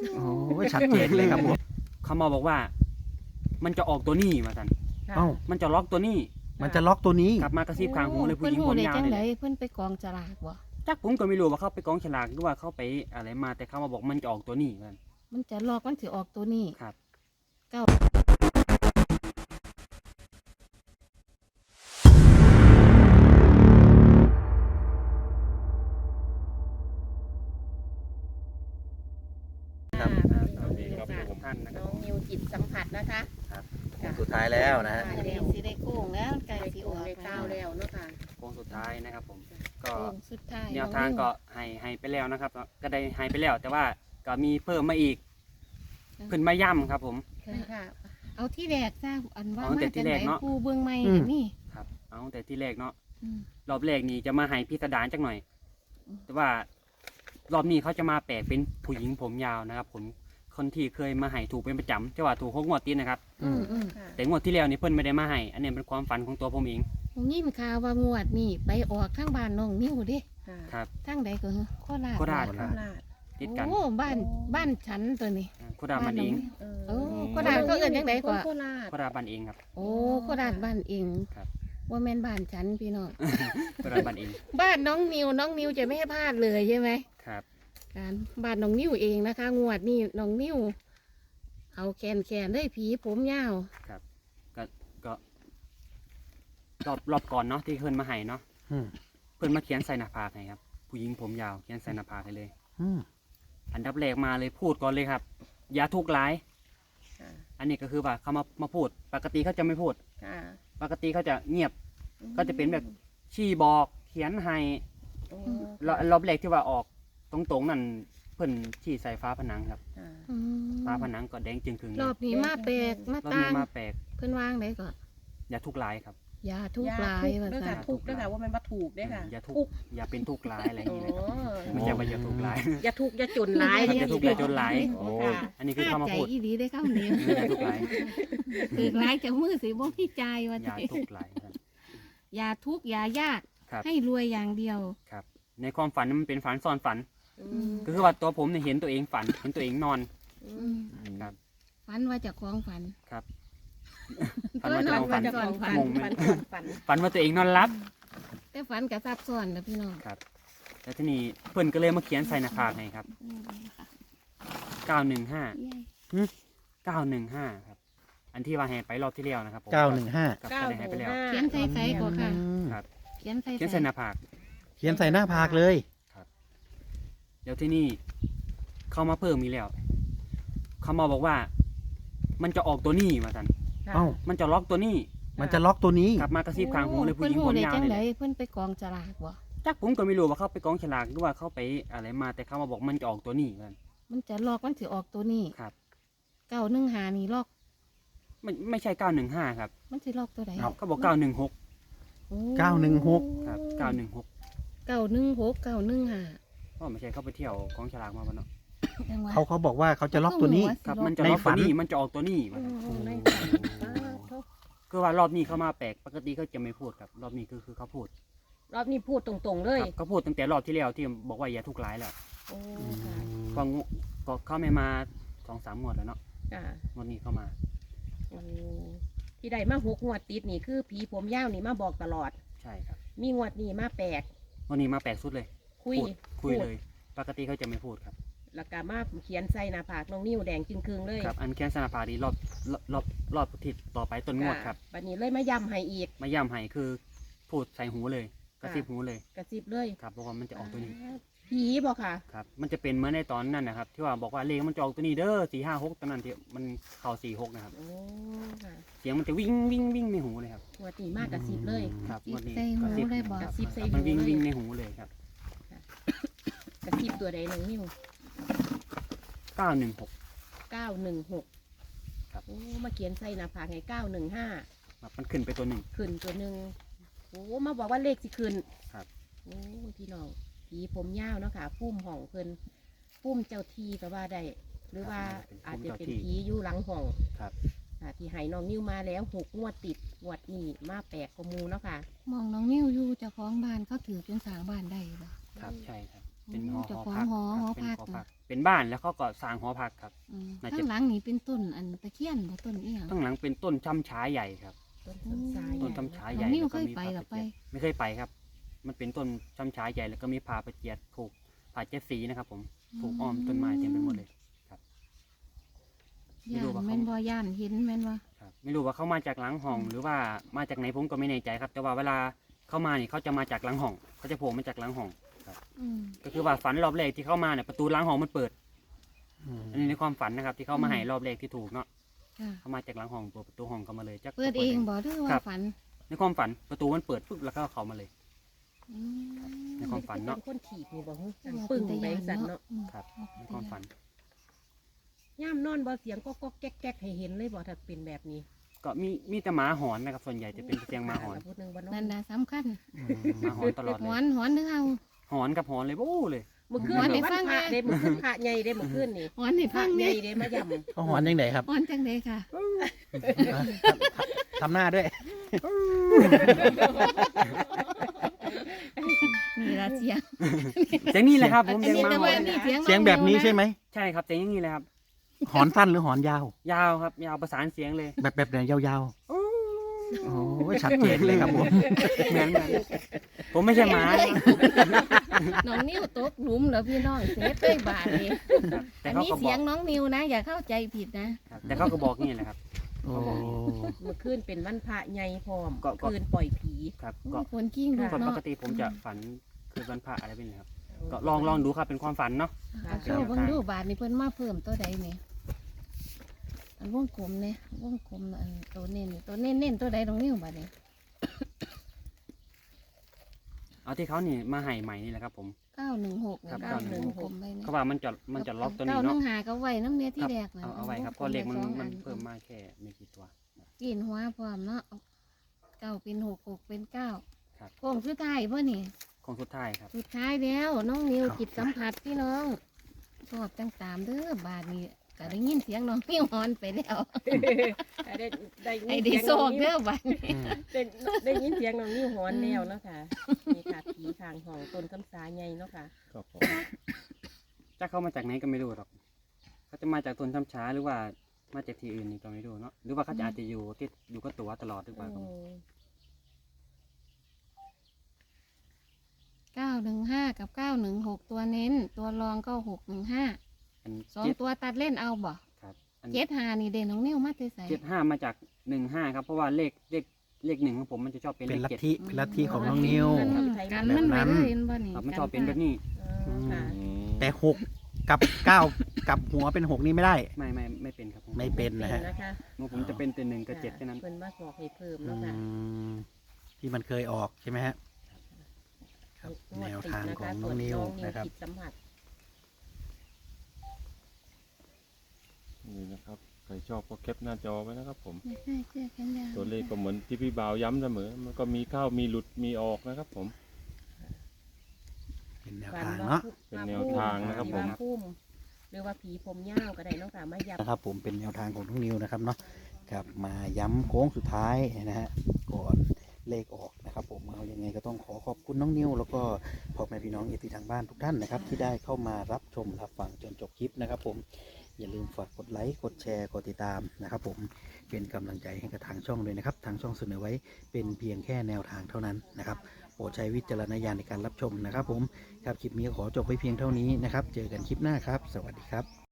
โอ้ชัดเจนเลยครับผมเขามาบอกว่า มันจะออกตัวนี้มาสันเอ้ามันจะล็อกตัวนี้มันจะล็อกตัวนี้กลับมากระซิบข้างหูเลยผู้เพิ่หนญิงหูผมได้ยาวจังนี่ไดแหละเพิ่นไปกองฉลากบ่จักผมก็ไม่รู้ว่าเขาไปกองฉลากหรือว่าเขาไปอะไรมาแต่เขามาบอกมันจะออกตัวนี้มันมันจะลอกมันสิออกตัวนี้ครับเก้าครับสวัสดีครับทุกท่านนะคน้รัอบ งนิวจิตสัมผัสนะคะสุดท้ายแล้วนะฮะอันนี้สิได้โค้งแล้วไก่ได้สิโอออกได้ก้าวแล้วเนาะค่ะโค้งสุดท้ายนะครับผมก็โค้งสุดท้ายแนวทางก็ให้ไปแล้วนะครับ ก็ได้ให้ไปแล้ว แต่ว่าก็มีเพิ่มมาอีกขึ้นมาย่ำครับผมค่ะเอาที่แรกจ้าอันว่าเอาแต่มาที่จากแรไหนกเนาะปูเบื้องใหม่อืมนี่ครับเอาแต่ที่แรกเนาะอืมรอบแรกนี่จะมาให้พิสดารจักหน่อยอืมแต่ว่ารอบนี้เขาจะมาแปลกเป็นผู้หญิงผมยาวนะครับผมคนที่เคยมาให้ถูกเป็นประจำจะว่าถูก6 งวดติดนะครับอืมค่ะแต่งวดที่แล้วนี่เพิ่นไม่ได้มาให้อันนี้เป็นความฝันของตัวผมเองผมยินข่าวว่างวดนี่ไปออกทางบ้านน้องนิ้วเด้ค่ะครับทางใดก็คือโคราชโคราชโคครับราชติดกันโอ้บ้านฉันตัวนี้โคราชบ้านเองโอ้โคราชเขาเอิ้นจังไดกว่าโคราชโคราชบ้านเองครับโอ้โคราชบ้านเองครับว่าแม่นบ้านฉันพี่น้องโคราชบ้านเองบ้านน้องนิวจะไม่ให้พลาดเลยใช่ไหมครับการบ้านน้องนิวเองนะคะ งวดนี่น้องนิวเอาแคนได้ผีผมยาวก็รอบก่อนเนาะที่เพิ่นมาให้เนาะอืมเพิ่นมาเขียนใส่หน้าผากให้ครับผู้หญิงผมยาวเขียนใส่หน้าผากให้เลยอืมอันดับแรกมาเลยพูดก่อนเลยครับ อย่าทุกข์ร้ายค่ะอันนี้ก็คือว่าเขามาพูด ปกติเขาจะไม่พูดค่ะปกติเขาจะเงียบ ก็จะเป็นแบบชี้บอกเขียนให้โอ้รอบแรกที่ว่าออกตรงๆนั่นเพิ่นชี้ใส่ฟ้าผนังครับค่ะอืมฟ้าผนังก็แดงจึงครึ่งเลยรอบนี้มาแปลกมารอบต่านี้งมาแปลกเพิ่นวางได้ก็อย่าทุกข์ร้ายครับยาทุกข์หลายว่าด้วยซั่ค่ะนทุกข์ด้วยค่ะว่ามันมาถูกด้วยค่ะอย่าทุกข์อย่าเป็นทุกข์ร้ายอะไรอย่างโอ้นี้เลยครับไม่ใช่ว่าอย่าทุกข์ร้ายอย่าทุกข์อย่าจนร้ายอย่าทุกข์อย่าจนร้ายโอ้ค่ะอันนี้คือค่าเข้ามาใจพูดอีหลีได้คำนี้อย่าทุกข์ร้ายถือร้ายจากมือสิบ่พี่ใจายว่าอย่าสิทุกข์ร้ายครับยาทุกข์ยายากครับให้รวยอย่างเดียวครับ ในความฝันมันเป็นฝันซ้อนฝันอืมก็คือว่าตัวผมเนี่ยเห็นตัวเองฝัน เห็นตัวเองนอนอือืมมครับฝันว่าเจะคล้าของฝันครับฝันว่าจะฝัเอาฝันก่อนฝันงงไหมฝันฝันว่าตัวเองนอนรับแต่ฝันกับซับซ้อนนะพี่น้องครับ แล้วทีนี้เพิ่นก็เลยมาเขียนใส่หน้าผากให้ครับอืมค่ะ 915 เย้ 915ครับ อันที่ว่าให้ไปรอบที่แล้วนะครับผม 915 กับก็ได้ให้ไปแล้วเขียนใส่ใส่ก่อนค่ะครับเขียนใส่เขียนใส่หน้าผากเขียนใส่หน้าผากเลยเดี๋ยวที่นี่เข้ามาเพิ่มมีกแล้วเขามาบอกว่า มันจะออกตัวนี้มาสันเอ้ามันจะล็อกตัวนี้มันจะล็อกตัวนี้กลับมากระซิบข้างหูเลยผู้เพิ่หนญิงหูผมได้ยาวจังนี่ไดแหละเพิ่นไปกองฉลากบ่จักผมก็ไม่รู้ว่าเขาไปกองฉลากหรือว่าเขาไปอะไรมาแต่เขามาบอกมันจะออกตัวนี้มันมันจะลอกมันสิออกตัวนี้ครับ 915นี่ลอกไม่ใช่915ครับมันสิลอกตัวใดเอาเขาบอก916 โอ้ 916 ครับ916 916 915 ก็ไม่ใช่เขาไปเที่ยวกองฉลากมาบ้เนาะจังหวะเขาบอกว่าเขาจะล็อกตัวนี้ครับสิมันจะในล็อกฝัตัวน นี้มันจะออกตัวนี้โอ้มันในฝันโอ้คือว่ารอบนี้เขามาแปลกปกติเขาจะไม่พูดครับ รอบนี้คือเขาพูดรอบนี้พูดตรงๆเลยครับเขาพูดตั้งแต่รอบที่แล้วที่บอกว่าอย่าทุกข์ร้ายแล้วโอ้ค่ะก็เขาไม่มา2-3 งวดแล้วเนาะค่ะงวดนี้เขามาโอ้ที่ใดมา6 งวดติดนี่คือผีผมยาวนี่มาบอกตลอดใช่ครับมีงวดนี้มาแปลกงวดนี้มาแปลกสุดเลยคุยพูดเลย ปกติเขาจะไม่พูดครับแล้วก็มาเขียนใส่หน้าผากน้องนิ้วแดงจึงคืงเลยครับ อันแค่สนาพาดีรอบทิศต่อไปต้นงวดครับบัดนี้เลยมาย้ำให้อีกมาย่ำให้คือพูดใส่หูเลย กระซิบหูเลยกระซิบเลยครับบอกว่ามันจะออกตัวนี้ผีบอกค่ะครับ มันจะเป็นเหมื่อนในตอนนั้นนะครับ ที่ว่าบอกว่าเลขมันจะออกตัวนี้เด้อ456ตอนนั้นที่มันเข้า46นะครับโอ้ค่ะเสียงมันจะวิ่งในหูเลยครับงวดนี้มากกระซิบเลยครับงวดนี้ใส่หูกระซิบเลยบอกครับกระซิบใส่มันหูเลยวิ่งในหูเลยครับกระซิบตัวใดน้องนิ้ว 916 916 ครับโอ้มาเขียนใส่หน้าผากให้915 ครับมันขึ้นไปตัวหนึ่งขึ้นตัวหนึ่งโอ้มาบอกว่าเลขสิขึ้นครับโอ้พี่น้องผีผมยาวเนาะค่ะพุ่มห้องเพิ่นพุ่มเจ้าที่ก็ว่าได้ หรือว่าอาจจะเป็นผีอยู่หลังห้องครับค่ะที่ให้น้องนิ้วมาแล้ว6 งวดติดงวดนี้มาแปลกกว่าหมูเนาะค่ะมองน้องนิ้วอยู่เจ้าของบ้านเขาถือจนสร้างบ้านได้บ่ครับใช่ครับเป็นหอเจ้าหอของพักหอครับหอเป็นพักหอพักเป็นบ้านแล้วเขาก็สร้างหอพักครับ น่าจะข้างหลังนี่เป็นต้นอันตะเคียนบ่ต้นอีหยังข้างหลังเป็นต้นช้ำช้าใหญ่ครับต้นต้นสายต้นช้ำช้าน้ใหอญ่งนิ้วแล้วเคก็ยมีไปพาหรอประไปเจียดไม่เคยไปครับ มันเป็นต้นช้ำช้าใหญ่แล้วก็มีพาประเจียดผูกผาเจ็ดสีนะครับ ผมผูกอ้อมต้นไม้เต็มไปหมดเลย ไม่ย่ารู้นว่าเขาแม่นบ่ย่านเห็นแม่นบ่ครับไม่รู้ว่าเขามาจากหลังห้อง หรือว่ามาจากไหนผมก็ไม่แน่ใจครับ แต่ว่าเวลาเข้ามานี่เขาจะมาจากหลังห้องเขาจะโผล่มาจากหลังห้องอืมก็คือว่าฝันรอบแรกที่เข้ามาเนี่ยประตูหลังห้องมันเปิดอืมอันนี้ในความฝันนะครับ ที่เข้ามาให้รอบแรกที่ถูกเนาะค่ะเขามาจากหลังห้องเปิดประตูห้องเข้ามาเลยจักเปิดเองบ่หรือครัว่าบฝันในความฝันประตูมันเปิดปุ๊บแล้วก็เข้ามาเลยอืมในความฝันเนาะเป็นคนถีบนี่บ่ฮึว่าปึ้งเป็นไปตาย่านสั่นเนาะอืมครับในความฝันย่ามนอนบ่เสียงก็แก๊กๆให้เห็นเลยบ่ถ้าเป็นแบบนี้ก็มีแต่หมาหอนนะครับ ส่วนใหญ่จะเป็นเสียงหมาหอนพูดหนึงบ่เนาะนั่นน่ะสำคัญหมาหอนตลอดหเลอย นหอนเด้อเฮาหอนกับหอนเลยโอ้เลยเมื่อคืนหอนให้นี่ฟัวันงพระนะเด้เมื่อคืนพระใหญ่เด้เมื่อคืนนี่หอนให้พฟัระงใหแน่ญ่เด้มาย่ำเขาหอนยังไงครับหอนจังได๋ค่ะทำหน้าด้วยนี่ล่ะเสียงเสียงนี้แหละครับผมอันเสียงนี้หมาแต่หอว่าน นี่เสียงเสียงแบบนี้ใช่ไหมใช่ครับเสียงอย่างนี้เลยครับหอนสั้นหรือหอนยาวยาวครับยาวประสานเสียงเลยแบบไหนยาวๆ โอ้ยชัดเจนเลยครับผมเหมือนผมไม่ใช่หมานะน้องนิ้วตกหลุมเหรอพี่น้องเซฟได้บาทนี่ครับแต่อันเขานี้ก็บเสีอย กงน้องนิวนะ อย่าเข้าใจผิดนะครับแต่เขาก็บอกนี่แหละครับโอ้เมื่อคืนเป็นวันพระใหญ่พร้อมก็คืนปล่อยผีครับก็คนกิ้งลูกคนปเนาะกติผมจะฝันคือวันพระอะไรเป็นครับ ก็ลองดูครับเป็นความฝันเนาะเอาโชว์เบิ่งดูบาทนี่เพิ่นมาเพิ่มตัวใดนี่อันวงกลมเนี่ยวงกลมอันตัวเน้นตัวใดน้องนิวบาทนี่เอาที่เขานี่มาให้ใหม่นี่แหละครับผม 916 ครับนี่วงกลมไปนี่เขาว่ามันจะล็อกตัวนี้เนาะ 915ก็ไว้น้ำเนี้ยที่แรกนะเอาไว้ครับเพราะเลขมันเพิ่มมาแค่ไม่กี่ตัวกินหัวพร้อมเนาะ9เป็น6เป็น9 ครับโค้งสุดท้ายเพิ่นนี่คงสุดท้ายครับสุดท้ายแล้วน้องนิวจิตสัมผัสพี่น้องชอบจังตามเด้อบาทนี้ก็ได้ยินเสียงน้องนิวฮอนไปแล้วได้ไอ้ได้โซกเด้อบาทนี้ได้ยินเสียงน้องนิ้วหอนแล้วเนาะค่ะนี่ค่ะผีข้างห้องต้นคำสาใหญ่เนาะค่ะครับผมจะเข้ามาจากไหนก็ไม่รู้หรอกเขาจะมาจากต้นช้ำช้าหรือว่ามาจากที่อื่นนี่ก็ไม่รู้เนาะหรือว่าเขาจะอาจจะอยู่กับตัวตลอดหรือเปล่าก็ไม่รู้ 915กับ916ตัวเน้น ตัวรองก็615 อันสองเจ็ดตัวตัดเล่นเอาบ่ครับอัน 75นี่เด่นน้องนิวมาแต่ใส่ 75มาจาก15ครับเพราะว่าเลขหนึ่งของผมมันจะชอบเป็นเป็นเลขลัท 7 ธิเป็นลัทธิของน้องนิวกันมันไว้เลยเห็นบ่นี่ครับมันชอบเป็นแบบนี้ค่ะแต่หกกับเก้ากับหัวเป็นหกนี่ไม่ได้ไม่เป็นครับผมไม่เป็นนะฮะนะคะของผมจะเป็นแต่1กับ7แค่นั้นเพิ่นมาบอกให้เพิ่มอืเนาะค่ะมที่มันเคยออกใช่ไหมฮะ ครับแนวทางของน้องนิวนะครับจิตสัมผัสนี่นะครับใครชอบก็แคปหน้าจอไว้นะครับผมไม่ใช่เสื้อแขนยาวตัวเลขก็เหมือนที่พี่บ่าวย้ำเสมอ มันก็มีเข้ามีหลุดมีออกนะครับผมเป็นแนวทางเนาะเป็นแนวทางนะครับผมว่าพุ่มหรือว่าผีผมยาวก็ได้เนาะค่ะมายับนะครับผมเป็นแนวทางของน้องนิวนะครับเนาะครับมาย้ำโค้งสุดท้ายนะฮะก่อนเลขออกนะครับผมเอายังไงก็ต้องขอขอบคุณน้องนิวแล้วก็พ่อแม่พี่น้องเอฟซีทางบ้านทุกท่านนะครับที่ได้เข้ามารับชมรับฟังจนจบคลิปนะครับผมอย่าลืมฝากกดไลค์กดแชร์กดติดตามนะครับผมเป็นกำลังใจให้กับทางช่องเลยนะครับทางช่องเสนอไว้เป็นเพียงแค่แนวทางเท่านั้นนะครับโปรดใช้วิจารณญาณในการรับชมนะครับผมครับคลิปนี้ขอจบไว้เพียงเท่านี้นะครับเจอกันคลิปหน้าครับสวัสดีครับ